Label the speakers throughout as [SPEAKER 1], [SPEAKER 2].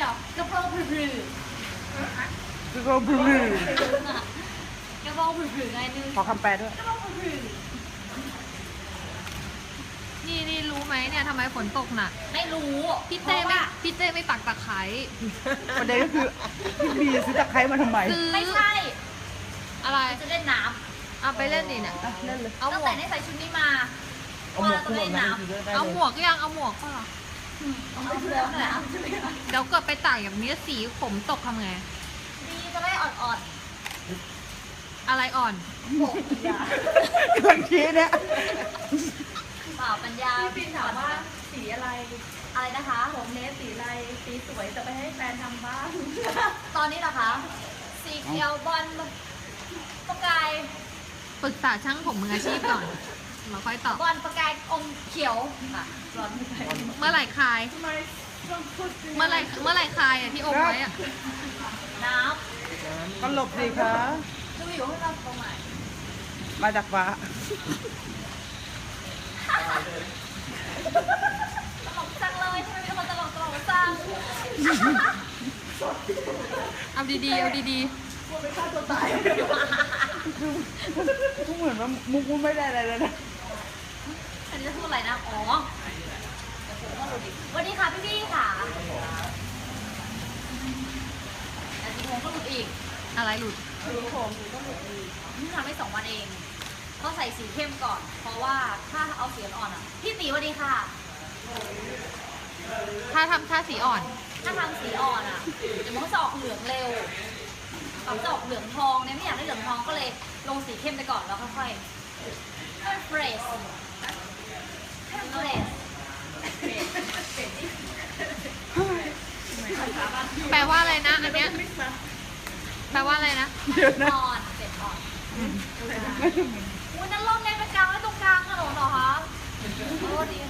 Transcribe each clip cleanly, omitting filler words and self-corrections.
[SPEAKER 1] กระเพราผึ่ง
[SPEAKER 2] คือก็บลู
[SPEAKER 1] กระเพราผึ่งไงนึง
[SPEAKER 2] ขอคำแปลด้วย
[SPEAKER 1] กระเพราผึ่ง
[SPEAKER 3] นี่รู้ไหมเนี่ยทำไมฝนตกหนัก
[SPEAKER 1] ไม่รู้
[SPEAKER 3] พี่เต้ไม่ปักตะไคร้
[SPEAKER 2] ประเด็นก็คือพี่บีซื้อตะไคร้มาทำไม
[SPEAKER 3] ซื้อ
[SPEAKER 1] ไม่ใช่
[SPEAKER 3] อะไร
[SPEAKER 1] จะเล่นน้
[SPEAKER 3] เอาไปเล่นดิเนี่ย
[SPEAKER 2] อ่ะเล่นเลย
[SPEAKER 1] ำ
[SPEAKER 3] เอาห
[SPEAKER 1] ตั้
[SPEAKER 3] ม
[SPEAKER 1] ง
[SPEAKER 3] ว
[SPEAKER 1] แต่
[SPEAKER 3] ก
[SPEAKER 1] ได้ใส่ชุดนี้มา
[SPEAKER 2] เอาหมวกคู่แบบนั้นคือได้
[SPEAKER 3] เอา
[SPEAKER 2] เลย
[SPEAKER 3] หมวกยังเอาหมวกก็เหรอ
[SPEAKER 1] เอาเพื่อนนั่นแหละ
[SPEAKER 3] เดี๋ยวเกิดไปตากอย่างนี้สีผมตกทำไง
[SPEAKER 1] ดีจะได้อ่อน
[SPEAKER 3] อะไรอ่อน
[SPEAKER 1] ๆโบกยาก
[SPEAKER 2] ำลังชี้เนี่ย
[SPEAKER 1] เปล่าปัญญา
[SPEAKER 4] พี่ปินถามว่าสีอะไร
[SPEAKER 1] อะไรนะคะ
[SPEAKER 4] ผมเนสสีอะไร สีสวยจะไปให้แฟนทำบ้าง
[SPEAKER 1] ตอนนี้เหรอคะสีเขียวบอลประกาย
[SPEAKER 3] ปรึกษาช่างผมมืออาชีพก่อนมาค่อยตอบบ
[SPEAKER 1] อลประกายอมเขียวค่ะร้อน
[SPEAKER 3] เมื่อไหร่คลาย
[SPEAKER 4] ทำไมต้องพูด
[SPEAKER 3] เมื่อไหร่คลายอ่ะที่อมไว้อ่ะ
[SPEAKER 1] น้
[SPEAKER 2] ก็หลบสิคะ
[SPEAKER 1] ำดูอยู่ให้เราตรงไหน
[SPEAKER 2] มาจากฟ้า
[SPEAKER 1] ตลกจังเลยทำไมเป็นคนตลกจัง
[SPEAKER 3] เอาดีๆเอาดี
[SPEAKER 4] กลัวไปฆ่าตัวตาย
[SPEAKER 2] ทุกเหมือนว่ามุกมันไม่ได้อะไรเลยนะ
[SPEAKER 1] อันนี้จะพูดอะไรนะอ๋อวันนี้ค่ะพี่ค่ะแต่สีผมก็หลุดอีก
[SPEAKER 3] ๆอะไรหลุด
[SPEAKER 1] สีผมก็หลุดอีกนี่ทำให้2 วันเองต้องใส่สีเข้มก่อน เพราะว่าถ้าเอาสีอ่อนอ่ะพี่ตีวันดีค่ะ
[SPEAKER 3] ถ้าสีอ่อน
[SPEAKER 1] ถ้าทำสีอ่อนอ่ะเดี๋ยวมันก็จะออกเหลืองเร็วมันจะออกเหลืองทองเนี่ยไม่อยากได้เหลืองทองก็เลยลงสีเข้มไปก่อนแล้วค่อยๆให้มันเฟรชให้มันเฟรช
[SPEAKER 3] แปลว่าอะไรนะอันเนี้ยแปลว่าอะไรนะ
[SPEAKER 2] เดี๋ยวนะ
[SPEAKER 1] อ่อนเฟรชอ่อนอุ้ยนั่นร่มเนี่ยไปกลางไว้ตรงกลางถนนเหรอคะโอ้ดี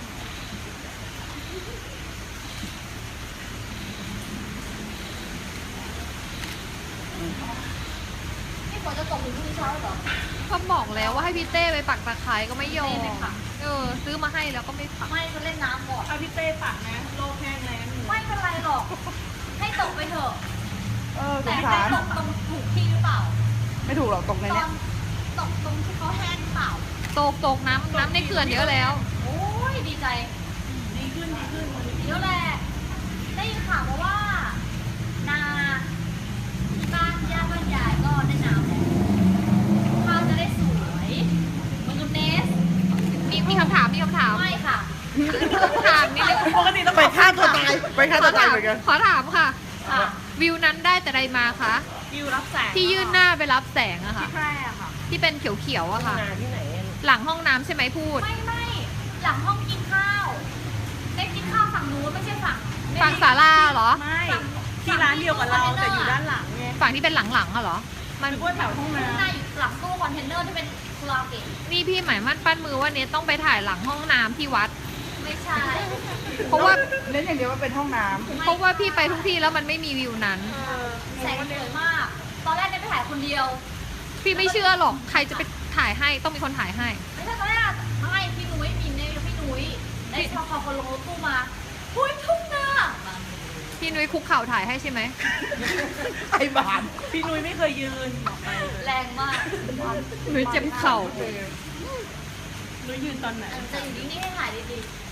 [SPEAKER 1] นี่ฝนจะตกถึงพรุ่งนี้เช้าเหรอ
[SPEAKER 3] ก็บอกแล้วว่าให้พี่เต้ไปปักตะไคร้ก็ไม่ยอม
[SPEAKER 1] ไม่ปัก
[SPEAKER 3] ซื้อมาให้แล้วก็ไม่ปัก
[SPEAKER 1] ไม่จะเล่นน้ำก่อน
[SPEAKER 4] เอาพี่เต้ปักนะ โลกแห้งแล้ง
[SPEAKER 1] ไม่เป็นไรหรอก ให้ตกไปเถอะ
[SPEAKER 2] ส
[SPEAKER 1] แต่
[SPEAKER 2] ง
[SPEAKER 1] ให้
[SPEAKER 2] สาร
[SPEAKER 1] ตกตรงถูกที่หรือเปล่า
[SPEAKER 2] ไม่ถูกหรอกตรงใน
[SPEAKER 1] ตอ
[SPEAKER 2] เนี้ย
[SPEAKER 1] นตกตรงที่เขาแห้งหรือเปล่า
[SPEAKER 3] ตกน้ำในเขื่อนเยอะแล้ว
[SPEAKER 1] โอ้ยดีใจ
[SPEAKER 4] ดีขึ้นดีขึ้น
[SPEAKER 1] เดี๋ยวแหละ ได้ยินข่าวมาว่า นาที่บ้านย่าบ้านยายก็ได้น้ำแล้วข้าวจะได้สวยเหมือนกับเนส
[SPEAKER 3] มีคำถาม
[SPEAKER 1] ไม่ค่ะ
[SPEAKER 3] ถามนิดนึง
[SPEAKER 4] ปกติต้อง
[SPEAKER 2] ไปฆ่าตัวตายไปฆ่าตัวตายเหมือนกัน
[SPEAKER 3] ขอถามค่ะ
[SPEAKER 1] ค่ะ
[SPEAKER 3] วิวนั้นได้แต่ใดมาคะ
[SPEAKER 4] วิวรับแสง
[SPEAKER 3] ที่ยื่นหน้าไปรับแสงอะค่ะ
[SPEAKER 4] ที่แพร่อะค่ะ
[SPEAKER 3] ที่เป็นเขียวๆอะค่ะ
[SPEAKER 4] ที่ไหน
[SPEAKER 3] หลังห้องน้ำใช่ไหมพูด
[SPEAKER 1] ไม่หลังห้องกินข้าวเนสกินข้าวฝั่งนู้นไม่ใช่ฝั่ง
[SPEAKER 3] ฝั่งศาลาเหรอ
[SPEAKER 4] ไม่ ที่ร้านเดียวกับเราแต่อยู่ด้านหลังไง
[SPEAKER 3] ฝั่งที่เป็นหลังๆอะเหรอ มัน
[SPEAKER 4] นึกว่าแถวห้องน้
[SPEAKER 1] ข้างหน้าอยู่หลังตู้คอนเทนเนอร์ที่เป็นคาราโอเกะ
[SPEAKER 3] นี่พี่หมายมั่นปั้นมือว่าเนทต้องไปถ่ายหลังห้องน้ำที่วัด
[SPEAKER 1] ไม่ใช่
[SPEAKER 3] เพราะว่า
[SPEAKER 2] เน้นอย่างเดียวว่าเป็นห้องน้
[SPEAKER 3] เพราะว่าพี่ไปทุกที่แล้วมันไม่มีวิวนั้น
[SPEAKER 1] แสงสวยมาก ตอนแรกเนี่ยไปถ่ายคนเดียว
[SPEAKER 3] พี่ไม่เชื่อหรอก ใครจะไปถ่ายให้ ต้องมีคนถ่ายให้
[SPEAKER 1] ไม่ใช่ตอนแรกไม่พี่นุ้ยมีเนี่ยพี่นุ้ยได้พอคนลงรถตู้มาหุ้ยทุ่งนา
[SPEAKER 3] พี่นุ้ยคุกเข่าถ่ายให้ใช่ไหม
[SPEAKER 2] ำไอ้บาน
[SPEAKER 4] ำพี่นุ้ยไม่เคยยืนบอกไป
[SPEAKER 1] แรงมาก
[SPEAKER 3] นุ้ยเจ็บเข่า
[SPEAKER 4] นุ้ยยืนตอนไหน
[SPEAKER 1] จะอยู่นิ่งๆให้ถ่ายดีๆ